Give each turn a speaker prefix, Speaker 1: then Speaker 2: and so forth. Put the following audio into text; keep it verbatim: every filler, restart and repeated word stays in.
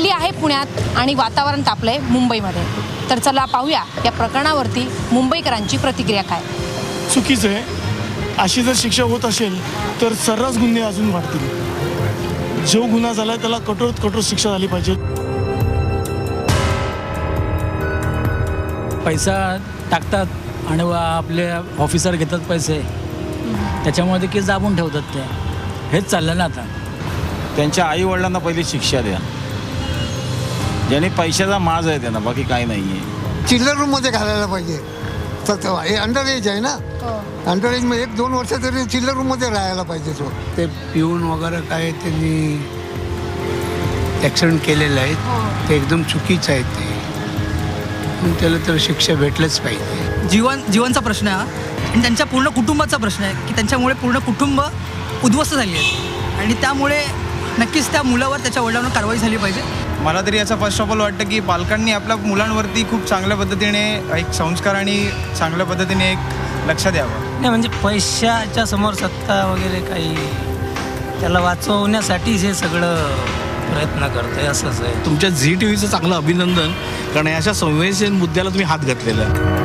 Speaker 1: थंडी आहे पुण्यात आणि वातावरण तापलंय मुंबईमध्ये. तर चला पाहूया या प्रकरणावरती मुंबईकरांची प्रतिक्रिया काय.
Speaker 2: चुकीचं आहे. अशी जर शिक्षा होत असेल तर सर्रास गुन्हे अजून वाढतील. जो गुन्हा झाला त्याला कठोर कठोर शिक्षा झाली पाहिजे.
Speaker 3: पैसा टाकतात आणि आपले ऑफिसर घेतात पैसे, त्याच्यामध्ये केस दाबून ठेवतात. ते हेच चाललं ना आता.
Speaker 4: त्यांच्या आई वडिलांना पहिली शिक्षा द्या, ज्याने पैशाचा माज आहे त्यांना, बाकी काही नाही आहे.
Speaker 5: चिल्लर रूममध्ये घालायला पाहिजे. तर हे अंडर एज आहे ना, अंडर एज मध्ये एक दोन वर्ष तरी चिल्लर रूममध्ये राहायला पाहिजे. तो
Speaker 6: ते पिऊन वगैरे काय त्यांनी ॲक्सिडेंट केलेलं आहे, ते एकदम चुकीचं आहे. ते पण त्याला तर शिक्षा भेटलंच पाहिजे.
Speaker 7: जीवन जीवनचा प्रश्न आहे हा, आणि त्यांच्या पूर्ण कुटुंबाचा प्रश्न आहे की त्यांच्यामुळे पूर्ण कुटुंब उद्ध्वस्त झाली आहे आणि त्यामुळे नक्कीच त्या मुलावर त्याच्या वडिलांवर कारवाई झाली पाहिजे.
Speaker 8: मला तरी याचा फर्स्ट ऑफ ऑल वाटतं की पालकांनी आपल्या मुलांवरती खूप चांगल्या पद्धतीने एक संस्कार आणि चांगल्या पद्धतीने एक लक्ष द्यावं.
Speaker 9: नाही म्हणजे पैशाच्या समोर सत्ता वगैरे काही, त्याला वाचवण्यासाठीच हे सगळं प्रयत्न करतोय असंच आहे.
Speaker 10: तुमच्या झी टी व्हीचं चांगलं अभिनंदन, कारण अशा संवेदनशील मुद्द्याला तुम्ही हात घातलेला आहे.